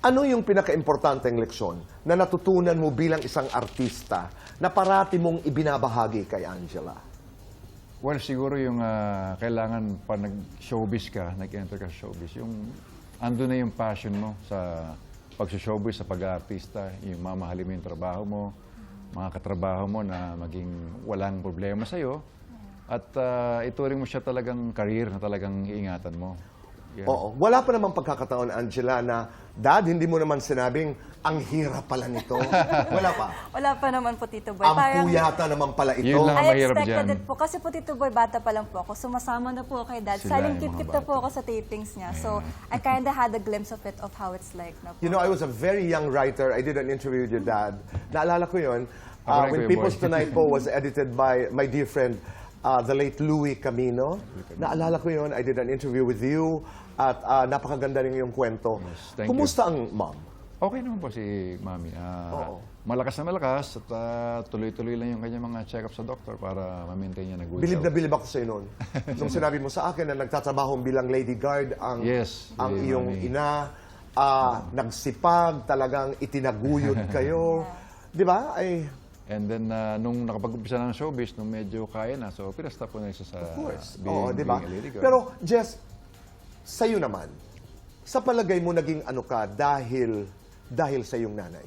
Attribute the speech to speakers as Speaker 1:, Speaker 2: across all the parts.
Speaker 1: Ano yung pinaka-importanteng leksyon na natutunan mo bilang isang artista na parati mong ibinabahagi kay Angela?
Speaker 2: Well, siguro yung kailangan pa nag-showbiz ka, nag-enter ka sa showbiz, yung ando na yung passion mo sa pag-showbiz, sa pag-aartista, yung mamahalin mo yung trabaho mo, mga katrabaho mo na maging walang problema sa'yo, at ituring mo siya talagang career na talagang iingatan mo. Yeah.
Speaker 1: Oo. Wala pa namang pagkakataon, Angela, na, Dad, hindi mo naman sinabing, ang hirap pala nito. Wala pa.
Speaker 3: Wala pa naman po, Tito Boy.
Speaker 1: Ang puyata naman pala ito.
Speaker 2: Yun lang.
Speaker 3: I
Speaker 2: mahirap
Speaker 3: expected
Speaker 2: dyan.
Speaker 3: it po. Kasi po, Tito Boy, bata pa lang po ako. Sumasama na po kay Dad.
Speaker 2: Sila,
Speaker 3: Saling
Speaker 2: yung mga
Speaker 3: kit-kit na po
Speaker 2: bata.
Speaker 3: ako sa tapings niya. So, I kind of had a glimpse of it, of how it's like na po.
Speaker 1: You know, I was a very young writer. I did an interview with your dad. Naalala ko yun.
Speaker 2: Ako rin,
Speaker 1: When
Speaker 2: Kuya
Speaker 1: People's
Speaker 2: Boy.
Speaker 1: Tonight po was edited by my dear friend, the late Louis Camino. Naalala ko yun. I did an interview with you. At napakaganda rin yung kwento.
Speaker 2: Yes, thank
Speaker 1: Kumusta ang mom?
Speaker 2: Okay naman po si Mami.
Speaker 1: Oo.
Speaker 2: Malakas na malakas at tuloy-tuloy lang yung kanyang mga check-up sa doktor para ma-maintain niya na good
Speaker 1: Bilib na
Speaker 2: health.
Speaker 1: bilib ako sa'yo noon. Nung sinabi mo sa akin na nagtatrabaho bilang lady guard ang,
Speaker 2: Yes,
Speaker 1: ang
Speaker 2: si
Speaker 1: iyong
Speaker 2: Mami.
Speaker 1: ina, nagsipag, talagang itinaguyod kayo. Di ba? Ay,
Speaker 2: And then, nung nakapag-umpisa ng showbiz, nung medyo kaya na, so pinastop ko na isa sa
Speaker 1: of course.
Speaker 2: being,
Speaker 1: Oo, di ba?
Speaker 2: being a lady girl.
Speaker 1: Pero, Jess, sa'yo naman, sa palagay mo naging ano ka dahil sa iyong nanay?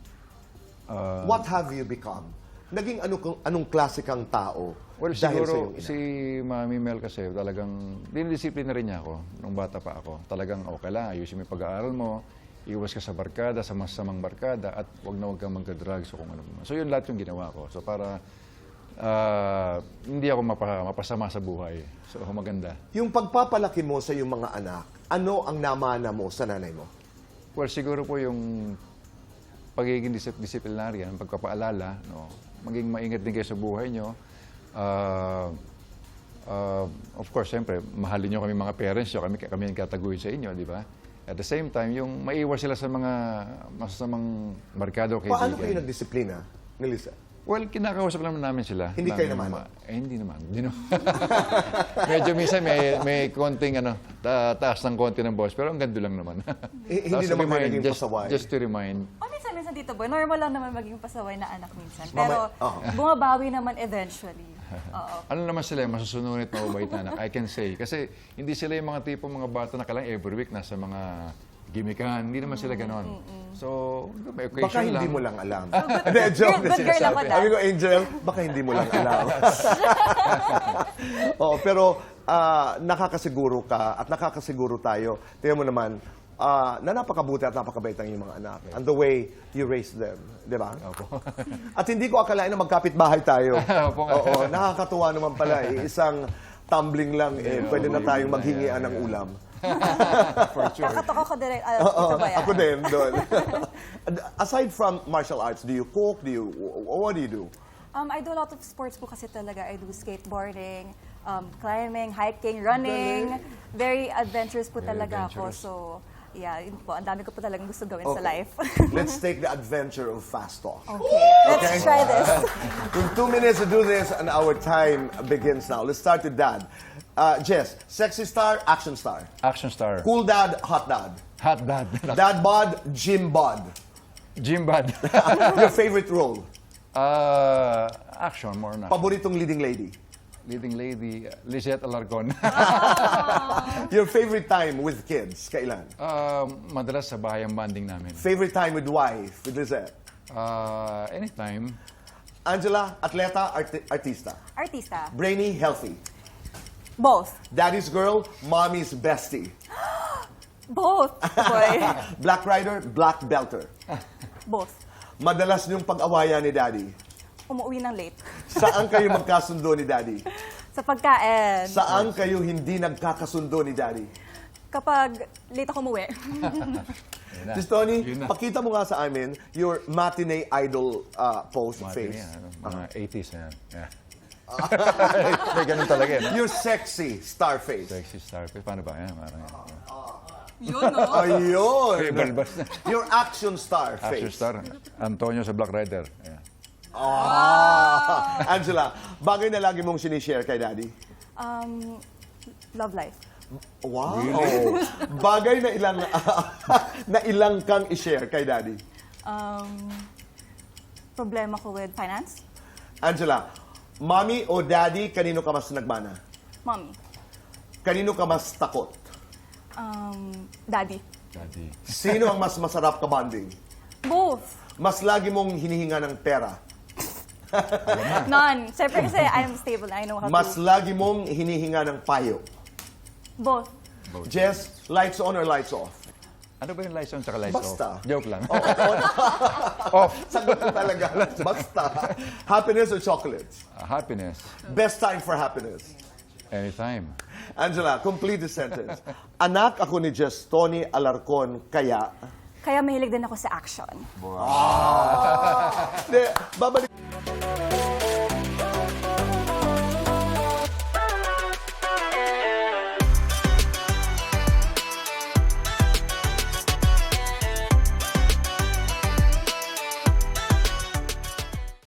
Speaker 1: What have you become? Naging anong klase kang tao
Speaker 2: Well,
Speaker 1: dahil sa
Speaker 2: siguro
Speaker 1: iyong ina?
Speaker 2: si Mami Mel kasi talagang dinidisiplina rin niya ako nung bata pa ako. Talagang okay lang, ayusin mo yung pag-aaral mo, iwas ka sa barkada, sa masamang barkada, at huwag kang magka-drugs o kung ano. So yun lahat yung ginawa ko. So para hindi ako mapasama sa buhay. So maganda.
Speaker 1: Yung pagpapalaki mo sa iyong mga anak, ano ang namana mo sa nanay mo?
Speaker 2: Well, siguro po yung pagiging disciplinarian, pagpapaalala, no? Maging maingat din kayo sa buhay nyo. Of course, siyempre, mahalin nyo kami mga parents nyo, kami ang kataguyod sa inyo, di ba? At the same time, yung maiwas sila sa mga masasamang barkado o
Speaker 1: Paano kayo
Speaker 2: kaibigan.
Speaker 1: nagdisiplina, Melissa?
Speaker 2: Well, kinakausap naman namin sila.
Speaker 1: Hindi kayo naman?
Speaker 2: Hindi naman. Hindi naman. Medyo minsan may konting taas ng konti ng boss, pero ang ganda lang naman.
Speaker 1: Hindi
Speaker 2: Tapos
Speaker 1: naman kayo
Speaker 2: remind,
Speaker 1: naging pasaway?
Speaker 2: Just to remind.
Speaker 3: O minsan, Tito Boy, normal lang naman maging pasaway na anak minsan.
Speaker 1: Mamay-
Speaker 3: Pero,
Speaker 1: Oo.
Speaker 3: bumabawi naman eventually. Oo.
Speaker 2: Ano naman sila, masusunod at mababait na anak, I can say. Kasi hindi sila yung mga tipo mga bata na kailangan every week nasa mga gimikan. Hindi naman sila ganon. So, may occasion
Speaker 1: Baka hindi
Speaker 2: lang.
Speaker 1: mo lang alam. Hindi, joke na
Speaker 3: Good girl
Speaker 1: sinasabi.
Speaker 3: ako, Dad.
Speaker 1: Sabi ko, Angel, baka hindi mo lang alam. Oo, pero nakakasiguro ka at nakakasiguro tayo. Tingnan mo naman, na napakabuti at napakabait ang iyong mga anak. And the way you raise them. Di ba?
Speaker 2: Opo.
Speaker 1: At hindi ko akalain na magkapit-bahay tayo.
Speaker 2: Opo nga.
Speaker 1: Oo, nakakatuwa naman pala. Isang tumbling lang, pwede na tayong maghingian ng ulam.
Speaker 2: For sure.
Speaker 3: Kakatok ako direct, Tito Boy.
Speaker 1: Ako din, doon. Aside from martial arts, do you cook? What do you do?
Speaker 3: I do a lot of sports po kasi talaga. I do skateboarding, climbing, hiking, running. Very adventurous po
Speaker 2: Very
Speaker 3: talaga ako.
Speaker 2: adventurous.
Speaker 3: So, yeah, yun po. Ang dami ko po talagang gusto gawin sa
Speaker 1: Okay.
Speaker 3: life.
Speaker 1: Let's take the adventure of fast talk.
Speaker 3: Okay, let's try this.
Speaker 1: In 2 minutes to do this, and our time begins now. Let's start with Dad. Jess, sexy star, action star.
Speaker 2: Action star.
Speaker 1: Cool dad, hot dad.
Speaker 2: Hot dad.
Speaker 1: Dad bod, gym bod.
Speaker 2: Gym bad.
Speaker 1: Your favorite role?
Speaker 2: Action, more na.
Speaker 1: Paboritong leading lady?
Speaker 2: Leading lady, Lizette Alarcon.
Speaker 1: Your favorite time with kids? Kailan?
Speaker 2: Madalas sa bahay ang banding namin.
Speaker 1: Favorite time with wife, with Lizette?
Speaker 2: Anytime.
Speaker 1: Angela, atleta, artista.
Speaker 3: Artista.
Speaker 1: Brainy, healthy.
Speaker 3: Both.
Speaker 1: Daddy's girl, mommy's bestie.
Speaker 3: Both, boy.
Speaker 1: Black rider, black belter.
Speaker 3: Both.
Speaker 1: Madalas niyong pag-awayan ni Daddy.
Speaker 3: Umuwi ng late.
Speaker 1: Saan kayo magkasundo ni Daddy?
Speaker 3: Sa pagkain.
Speaker 1: Saan kayo hindi nagkakasundo ni Daddy?
Speaker 3: Kapag late ako umuwi.
Speaker 1: Sis Tony,
Speaker 2: Yun na.
Speaker 1: pakita mo nga sa amin your matinee idol pose face.
Speaker 2: Yan, mga 80s na yan. Yeah. May ganun talaga yan.
Speaker 1: Your sexy star face.
Speaker 2: Sexy star. Paano ba? Yan, parang yan.
Speaker 3: Yun, no?
Speaker 1: Ayun!
Speaker 2: Okay, balbas na.
Speaker 1: Your action star
Speaker 2: Action
Speaker 1: face.
Speaker 2: star. Antonio sa Black Rider. Yeah.
Speaker 1: Angela, bagay na lagi mong sinishare kay Daddy.
Speaker 3: Love life.
Speaker 1: Wow! Bagay na ilang na ilang kang i-share kay Daddy.
Speaker 3: Problema ko with finance?
Speaker 1: Angela, Mommy o Daddy, kanino ka mas nagmana?
Speaker 3: Mommy.
Speaker 1: Kanino ka mas takot?
Speaker 3: Daddy.
Speaker 2: Daddy.
Speaker 1: Sino ang mas masarap ka bonding?
Speaker 3: Both.
Speaker 1: Mas lagi mong hinihinga ng pera?
Speaker 3: None. Siyempre kasi I'm stable. I know how
Speaker 1: Mas
Speaker 3: to.
Speaker 1: lagi mong hinihinga ng payo?
Speaker 3: Both.
Speaker 1: Jess, lights on or lights off?
Speaker 2: Ano ba yung lights on tsaka lights
Speaker 1: Basta.
Speaker 2: off? Joke lang.
Speaker 1: Off. Sagot ko talaga. Basta. Happiness or chocolates?
Speaker 2: Happiness.
Speaker 1: Best time for happiness?
Speaker 2: Anytime.
Speaker 1: Angela, complete the sentence. Anak ako ni Jess Tony Alarcon, kaya...
Speaker 3: Kaya mahilig din ako sa action.
Speaker 1: Babalik.